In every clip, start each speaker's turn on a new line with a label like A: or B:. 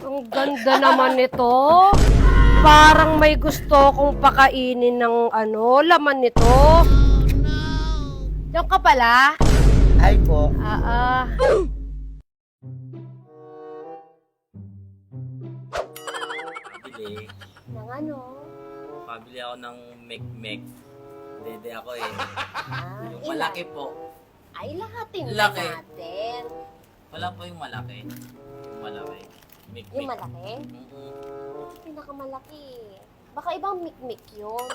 A: Ang ganda naman nito. Parang may gusto kong pakainin ng laman nito. Diyan ka pala?
B: Ay po.
C: Pabili.
A: Ng ano?
C: Pabili ako ng mek-mek. Dede ako eh. Yung
A: Ilan?
C: malaki po.
A: Ay, lahatin na
C: Laki.
A: natin.
C: Wala po yung malaki. Yung malaki. Mek-mek.
A: Yung malaki?
C: Mm-mm.
A: Ito pinakamalaki. Baka ibang mikmik yun.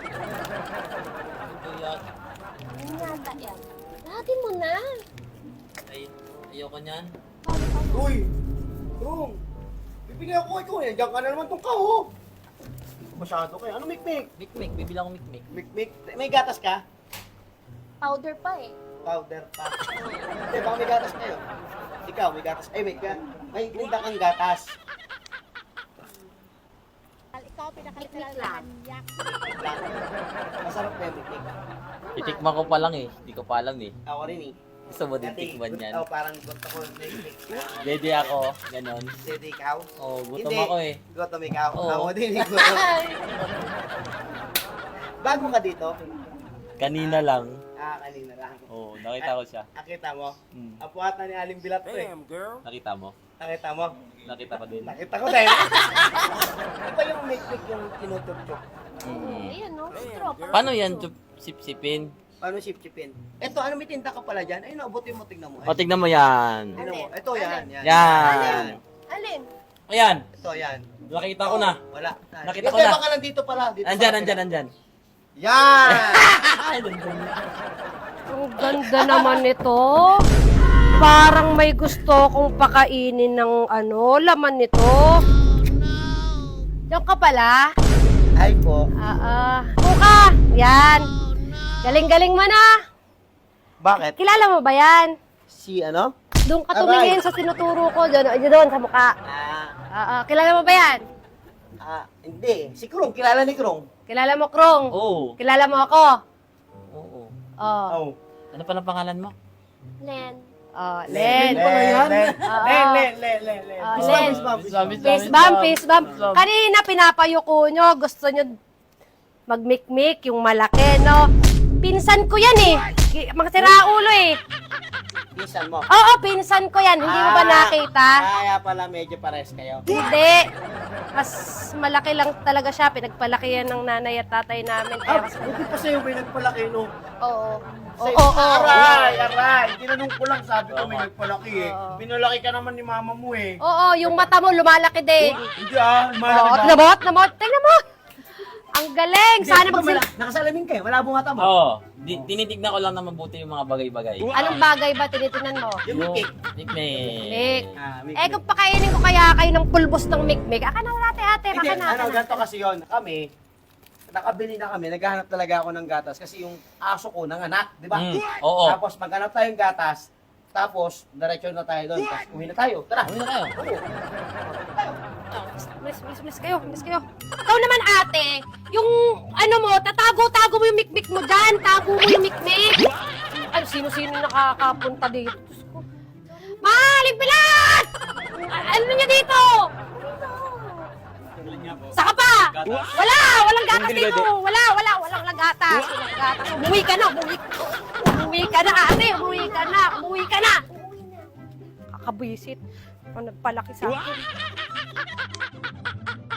C: Ito yan.
A: Yung yata yan. Lahatin mo na.
C: Ay, ayoko niyan.
B: Uy! Rung! Bibigyan ako ikaw eh. Diyan ka na naman tong kaho. Masyado kayo. Ano mikmik?
C: Mek-mek. Bibili ako mek-mek.
B: Mikmik? May gatas ka?
A: Powder pa eh.
B: Powder pa. Hindi, baka may gatas kayo. Ikaw, may gatas. Ay, may tinda kang gatas.
D: Ikaw pinakalimutan yak.
B: Lang. Masarap na yung mikmik.
C: Titikman ko pa lang eh. Hindi ko pa alam eh.
B: Ako rin eh.
C: Gusto mo din tikman yan.
B: Oh, parang gusto ko yung mikmik.
C: Dede ako. Ganon.
B: Hindi, ikaw?
C: Oh, gutom
B: Hindi.
C: ako eh.
B: Gutom ikaw?
C: Oo.
B: Ako din, gutom. Bago ka dito?
C: Kanina lang.
B: Kanina lang.
C: Oh, nakita ko siya.
B: Nakita mo?
C: Hmm.
B: Apuat na ni Aling Bilat to eh.
C: Nakita mo?
B: Nakita mo?
C: Nakita ko din.
B: Nakita ko din. Iba yung mikmik yung tinutup-tup.
C: Mm.
A: Ayan no? Straw.
C: Paano yan? Sip-sipin?
B: Paano sip-sipin? Eto, ano may tinta ka pala dyan? Ay, naabutin mo, tignan mo.
C: O, tignan mo yan.
B: Tignan mo. Ito, yan.
C: Yan.
A: Alin?
C: Ayan.
B: Ito, yan.
C: Nakita ko na.
B: Wala.
C: Nakita ko
B: Hindi,
C: na.
B: baka nandito pala. Dito
C: Andyan,
B: sa
C: andyan,
B: akin.
C: andyan.
B: Yan!
A: Ang ganda naman nito. Parang may gusto kong pakainin ng laman nito. Diyan ka pala?
B: Ay po.
A: Buka! Yan. Galing-galing mo na.
B: Bakit?
A: Kilala mo ba yan?
B: Si ano?
A: Doon ka tumingin sa tinuturo ko. Doon sa mukha. Kilala mo ba yan?
B: Hindi. Si Krong. Kilala ni Krong.
A: Kilala mo, Krong?
C: Oo.
A: Kilala mo ako?
C: Oo.
A: Oh.
B: Oh.
C: Ano pa ng pangalan mo?
A: Len. Oh, Len.
B: pala yan? Len.
A: Oo.
B: Len.
A: Len. Fist bump, fist bump. Kanina pinapayuko nyo. Gusto nyo magmikmik yung malaki, no? Pinsan ko yan eh. Mga siraulo eh.
B: Pisan mo.
A: Oo, pinsan ko yan. Hindi mo ba nakita?
B: Kaya pala medyo pares kayo.
A: Hindi. Mas malaki lang talaga siya. Pinagpalaki yan ng nanay at tatay namin. Kaya mas...
B: Buti pa sa'yo may nagpalaki, no?
A: Oo.
B: Sa'yo,
A: Oo.
B: aray. Tinanong ko lang, sabi ko may nagpalaki eh.
A: Oo.
B: Pinalaki ka naman ni mama mo eh.
A: Oo, yung mata mo lumalaki din.
B: Hindi
A: Oo,
B: malaki ba?
A: tingnan mo. Ang galing. Sana
B: Nakasalamin kayo, malabo nga tama.
C: Oo. Tinitignan ko lang na mabuti yung mga bagay-bagay.
A: Anong bagay ba tinitingnan mo?
B: Yung mikmik.
C: Mikmek.
A: Mik. Eh, kung pakainin ko kaya kayo ng pulbos ng mikmik, aka na wala ate.
B: Hindi,
A: Baka na.
B: ganito kasi yun. Kami, nakabili na kami, naghahanap talaga ako ng gatas kasi yung aso ko nanganak, di ba?
C: Oo.
B: Tapos maghanap tayong gatas, tapos diretso na tayo doon, tapos uwi na tayo. Tara!
C: Uwi na tayo.
A: Miss kayo. Ikaw naman ate, yung mo, tatago-tago mo yung mikmik mo dyan. Tago mo yung mikmik. Ano, sino-sino nakakapunta dito? Diyos ko. Maling bilat! Ano niya dito? Saka pa! Walang gatas dito. Walang gatas. Umuwi ka na, umuwi ka na ate, umuwi ka na. Kakabwisit. Nagpalaki sa akin.